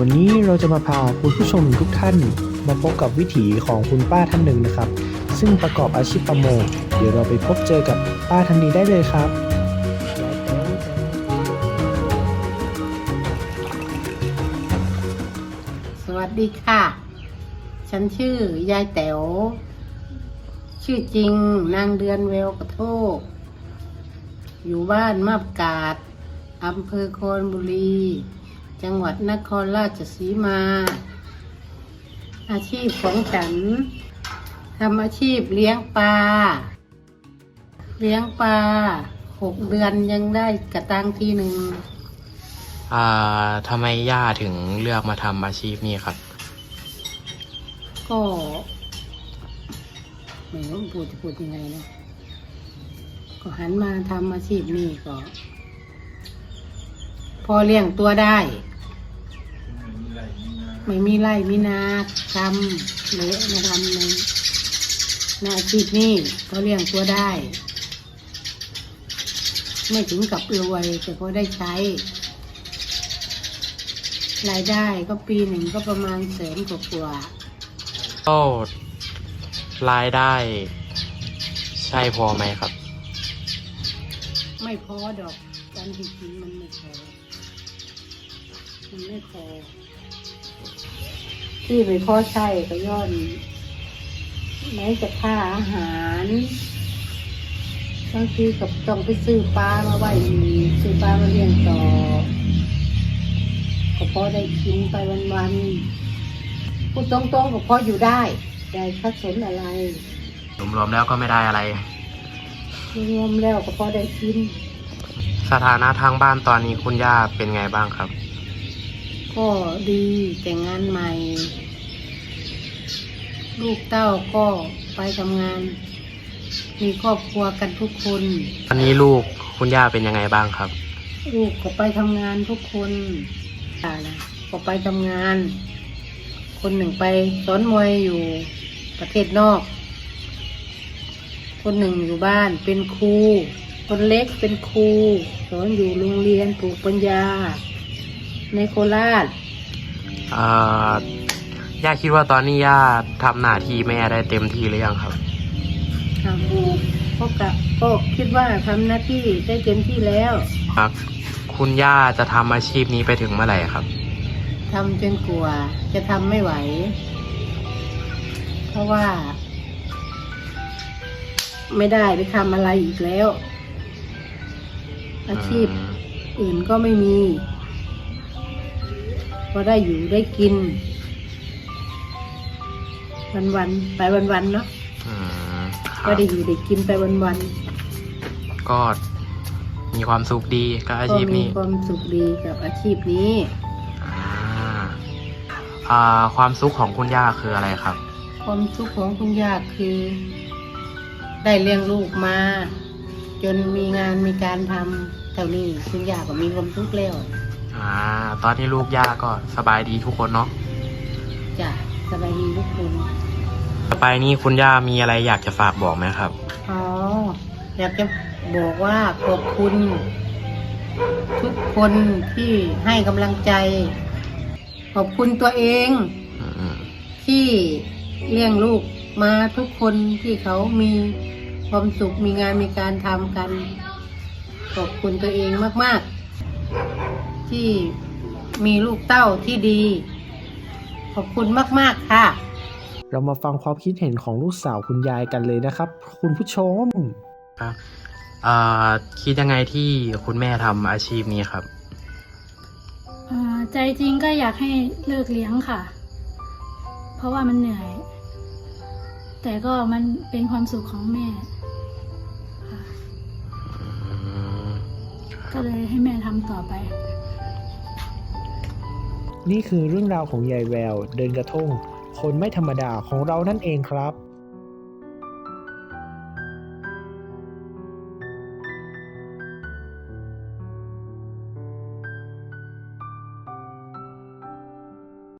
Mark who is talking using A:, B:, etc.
A: วันนี้เราจะมาพาคุณผู้ชมทุกท่านมาพบกับวิถีของคุณป้าท่านหนึ่งนะครับซึ่งประกอบอาชีพประมงเดี๋ยวเราไปพบเจอกับป้าท่านนี้ได้เลยครับ
B: สวัสดีค่ะ ฉันชื่อยายแต๋วชื่อจริงนางเดือนเวลกระโทกอยู่บ้านมาบกาดอำเภอโคนบุรีจังหวัดนครราชสีมา อาชีพของฉันทำอาชีพเลี้ยงปลา6 เดือนยังได้กระตังทีหนึ่ง
C: ทำไมย่าถึงเลือกมาทำอาชีพนี้ครับ
B: ก็ไม่รู้พูดยังไงนะก็หันมาทำอาชีพนี้ก็พอเลี้ยงตัวได้ไม่มีไร่มีนาทำเลยมาทำในอาชีพนี้ก็เลี้ยงตัวได้ ไม่ถึงกับรวยแต่ก็ได้ใช้รายได้ก็ปีหนึ่งก็ประมาณ100,000 กว่า
C: ก็รายได้ใช่พอไหมครับ
B: ไม่พอดอกการจริงๆมันไม่พอที่ไม่พอใช่ก็ย้อนไหนจะค่าอาหารบางทีก็ต้องไปซื้อปลามาไว้อีกซื้อปลามาเลี้ยงต่อก็พอได้กินไปวันๆพูดตรงๆก็พออยู่ได้ค่าสนอะไร
C: รวมๆแล้วก็ไม่ได้อะไร
B: รวมแล้วก็พอได้กิน
C: สถานะทางบ้านตอนนี้คุณย่าเป็นไงบ้างครับ
B: ก็ดีแต่งงานใหม่ ลูกเต้าก็ไปทำงาน มีครอบครัวกันทุกคน
C: ตอนนี้ลูกคุณย่าเป็นยังไงบ้างครับ
B: ลูกก็ไปทำงานทุกคนก็ไปทำงาน คนหนึ่งไปสอนมวยอยู่ประเทศนอก คนหนึ่งอยู่บ้านเป็นครูคนเล็กเป็นครูสอนอยู่โรงเรียนปลูกปัญญาในโคราช
C: ย่าคิดว่าตอนนี้ย่าทำหน้าที่แม่ได้เต็มที่หรือยังครับ
B: ก็คิดว่าทำหน้าที่ได้เต็มที่แล้ว
C: ครับ คุณย่าจะทำอาชีพนี้ไปถึงเมื่อไหร่ครับ
B: ทำจนกว่าจะทำไม่ไหว เพราะว่าไม่ได้ไปทำอะไรอีกแล้ว อาชีพอื่นก็ไม่มีก็ได้อยู่ได้กิน วันๆไปวันๆเนาะก็ได้อยู่ได้กินไปวันๆ
C: ก็มีความสุขดีกับอาชีพนี้
B: ก็มีความสุขดีกับอาชีพนี้
C: ความสุขของคุณย่าคืออะไรครับ
B: ความสุขของคุณย่าคือได้เลี้ยงลูกมา จนมีงานมีการทำเท่านี้คุณย่าก็มีความสุขแล้ว
C: ตอนนี้ลูกย่าก็สบายดีทุกคนเนาะ
B: จ้ะสบายดีทุกคน
C: ต่อไปนี่คุณย่ามีอะไรอยากจะฝากบอกไหมครับ
B: อยากจะบอกว่าขอบคุณทุกคนที่ให้กำลังใจ ขอบคุณตัวเองที่เลี้ยงลูกมาทุกคนที่เขามีความสุขมีงานมีการทำกัน ขอบคุณตัวเองมากๆที่มีลูกเต้าที่ดี ขอบคุณมากๆค่ะ
A: เรามาฟังความคิดเห็นของลูกสาวคุณยายกันเลยนะครับคุณผู้ชม
C: ครับคิดยังไงที่คุณแม่ทำอาชีพนี้ครับ
D: ใจจริงก็อยากให้เลิกเลี้ยงค่ะ เพราะว่ามันเหนื่อย แต่ก็มันเป็นความสุขของแม่ค่ะก็เลยให้แม่ทำต่อไป
A: นี่คือเรื่องราวของยายแววเดินกระทงคนไม่ธรรมดาของเรานั่นเองครับ